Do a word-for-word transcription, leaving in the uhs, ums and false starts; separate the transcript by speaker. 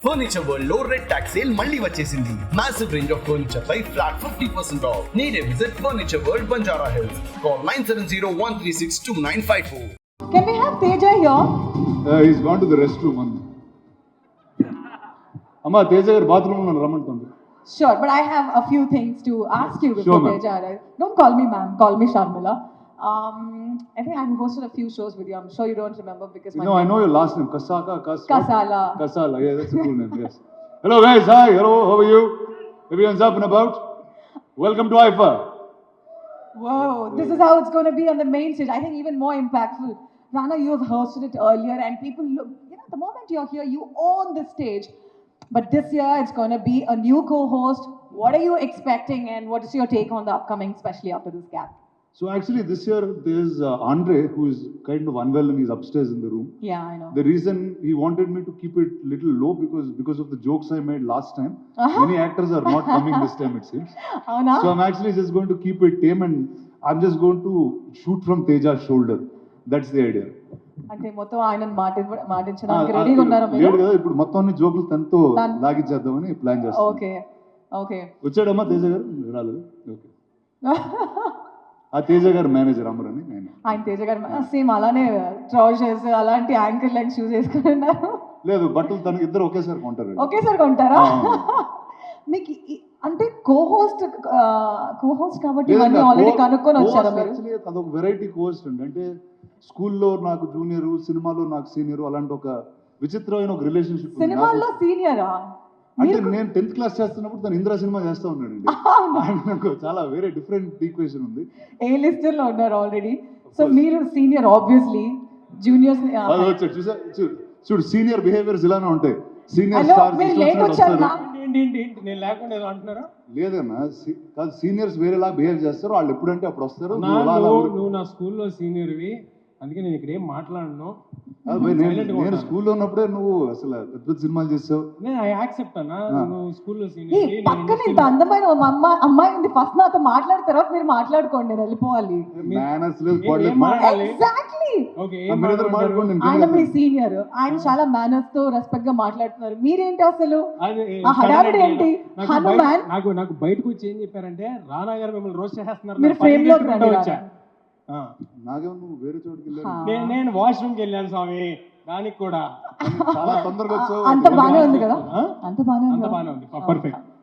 Speaker 1: Furniture world లో red tags sale మళ్ళీ వచ్చేసింది. మాసివ్ రేంజ్ ఆఫ్ ఫర్నిచర్ పై flat fifty percent off. Need a visit furniture world Banjara Hills. Call nine seven zero one three six two nine five four.
Speaker 2: Can we have Teja here?
Speaker 3: Uh, he's gone to the restroom. Amma, Teja garu bathroom lo ramantundi.
Speaker 2: Sure, but I have a few things to ask you before
Speaker 3: Sure, ma'am.
Speaker 2: Teja arrives. Don't call me ma'am, call me Sharmila. Um, I think I've hosted a few shows with you. I'm sure you don't remember because my
Speaker 3: No, I know your last name. Kasaka, Kas.
Speaker 2: Kasala.
Speaker 3: Kasala, yeah, that's a cool name, yes. Hello guys, hi, hello, how are you? Everyone's up and about? Welcome to I F A.
Speaker 2: Whoa, this is how it's going to be on the main stage. I think even more impactful. Rana, you have hosted it earlier and people look, you know, the moment you're here, you own the stage. But this year, it's going to be a new co-host. What are you expecting and what is your take on the upcoming, especially after this gap?
Speaker 3: So actually this year there's uh, Andre who is kind of unwell and he's upstairs in the room.
Speaker 2: Yeah, I know.
Speaker 3: The reason he wanted me to keep it little low because because of the jokes I made last time.
Speaker 2: Uh-huh.
Speaker 3: Many actors are not coming this time it seems.
Speaker 2: Oh, no?
Speaker 3: So I'm actually just going to keep it tame and I'm just going to shoot from Teja's shoulder. That's the idea.
Speaker 2: అంటే మొత్తం ఆయన మాటి మాటించడానికి రెడీగా ఉన్నారా
Speaker 3: లేడు
Speaker 2: మీరు?
Speaker 3: కదా ఇప్పుడు మొత్తం అన్ని జోకులు తనతో
Speaker 2: తన-
Speaker 3: లాగించేద్దామని ప్లాన్ చేస్తాం.
Speaker 2: ఓకే ఓకే
Speaker 3: వచ్చాడమ్మా తేజ గారు రాలేదు ఓకే ఆ తేజ గారు మేనేజర్ అమరని నేను
Speaker 2: ఆయన తేజ గారు సేమ్ అలానే ట్రౌజర్స్ అలాంటి యాంకిల్ లెంగ్ షూస్ వేసుకుని ఉన్నారు.
Speaker 3: లేదు బట్టలు తనకి ఇద్దరు ఒకేసారి కొంటారు.
Speaker 2: ఒకేసారి కొంటారా?
Speaker 3: ఆ.
Speaker 2: మీకు ఈ- అంటే కో-హోస్ట్ కో-హోస్ట్ కాబట్టి ఇవన్నీ ఆల్రెడీ కనుక్కొని వచ్చారా మీరు?
Speaker 3: యాక్చువల్లీ అదొక వెరైటీ కోర్స్ అండి. అంటే స్కూల్లో నాకు జూనియర్ సినిమాలో నాకు సీనియర్ అలాంటి ఒక విచిత్రమైన ఒక రిలేషన్షిప్.
Speaker 2: సినిమాల్లో సీనియరా?
Speaker 3: అంటే నేను టెన్త్ క్లాస్ చేస్తున్నప్పుడు తను ఇంద్రా సినిమా చేస్తా ఉన్నాడండి. నాకు చాలా వేరే డిఫరెంట్ ఈక్వేషన్ ఉంది.
Speaker 2: ఏ లిస్టర్ లో ఉన్నారు ఆల్రెడీ. సో మీరు సీనియర్ ఆబ్వియస్లీ జూనియర్స్
Speaker 3: అది వచ్చాడు చూసా చూ- చూడు సీనియర్ బిహేవియర్స్ ఇలానే ఉంటాయి. సీనియర్ స్టార్స్
Speaker 2: మీరు లేట్ వచ్చారు నా?
Speaker 4: ఏంటి ఏంటి ఏంటి నేను లేకుండా ఏదో అంటున్నారా?
Speaker 3: లేదన్నా సి- కాదు సీనియర్స్ వేరేలా బిహేవ్ చేస్తారు. వాళ్ళు ఎప్పుడంటే అప్పుడు వస్తారు.
Speaker 4: నా
Speaker 3: నువ్వు అలా అలా
Speaker 4: నువ్వు
Speaker 3: ఊరు-
Speaker 4: నువ్వు నా స్కూల్లో సీనియర్వి, అందుకే నేను ఇక్కడ ఏం మాట్లాడను.
Speaker 3: కాదు భయ్, నేను
Speaker 4: Silent గా
Speaker 3: నేను
Speaker 4: ఉంటాను.
Speaker 3: స్కూల్లో ఉన్నప్పుడే నువ్వు అసలు పెద్ద పెద్ద సినిమాలు చేసావు.
Speaker 4: నేను ఐ యాక్సెప్ట్ అన్నా,
Speaker 3: ఆ.
Speaker 4: నువ్వు స్కూల్లో
Speaker 2: ఈ
Speaker 4: సీనియర్.
Speaker 2: పక్కన ఇంత అందమైన ఒక అమ్మాయి అమ్మాయి ఉంది. ఫస్ట్ నాతో మాట్లాడిన తర్వాత మీరు మాట్లాడుకోండి, నేను వెళ్ళిపోవాలి.
Speaker 3: మేనర్స్ లేదు
Speaker 4: ఏం-
Speaker 3: body
Speaker 4: ఏం
Speaker 3: లేదు.
Speaker 4: మాట్లాడాలి?
Speaker 2: ఎగ్జాక్ట్లీ.
Speaker 4: ఓకే
Speaker 3: ఆ,
Speaker 4: ఏం
Speaker 3: మీరు ఇద్దరు
Speaker 4: మాట్లాడతారు?
Speaker 3: మాట్లాడుకోండి, నేను
Speaker 2: ఆయన మీ
Speaker 3: ఇంకేం
Speaker 2: సీనియర్, ఆయన చాలా మేనర్స్ తో రెస్పెక్ట్ గా మాట్లాడుతున్నారు. మీరేంటి అసలు
Speaker 4: అది
Speaker 2: ఆ హడావిడి ఏంటి?
Speaker 4: నాకు
Speaker 2: హనుమాన్
Speaker 4: బయట- నాకు నాకు బయటకు వచ్చి ఏం చెప్పారంటే రానా గారు మిమ్మల్ని రోస్ట్ చేస్తున్నారు.
Speaker 2: మీరు
Speaker 4: నేను
Speaker 2: frame లోకి
Speaker 4: పరిగెత్తుకుంటూ
Speaker 2: రండి
Speaker 4: వచ్చా. ఆ.
Speaker 3: నాకేమో నువ్వు వేరే చోటుకి వెళ్ళావు.
Speaker 2: హా.
Speaker 4: నేను నేను వాష్రూమ్కి వెళ్ళాను స్వామి, దానికి కూడా
Speaker 3: చాలా తొందరగా వచ్చావు.
Speaker 2: అంత బానే ఉంది కదా?
Speaker 4: ఆ?
Speaker 2: అంత బానే
Speaker 4: అంత
Speaker 2: ఉంది
Speaker 4: బాగానే ఉంది, పర్ఫెక్ట్.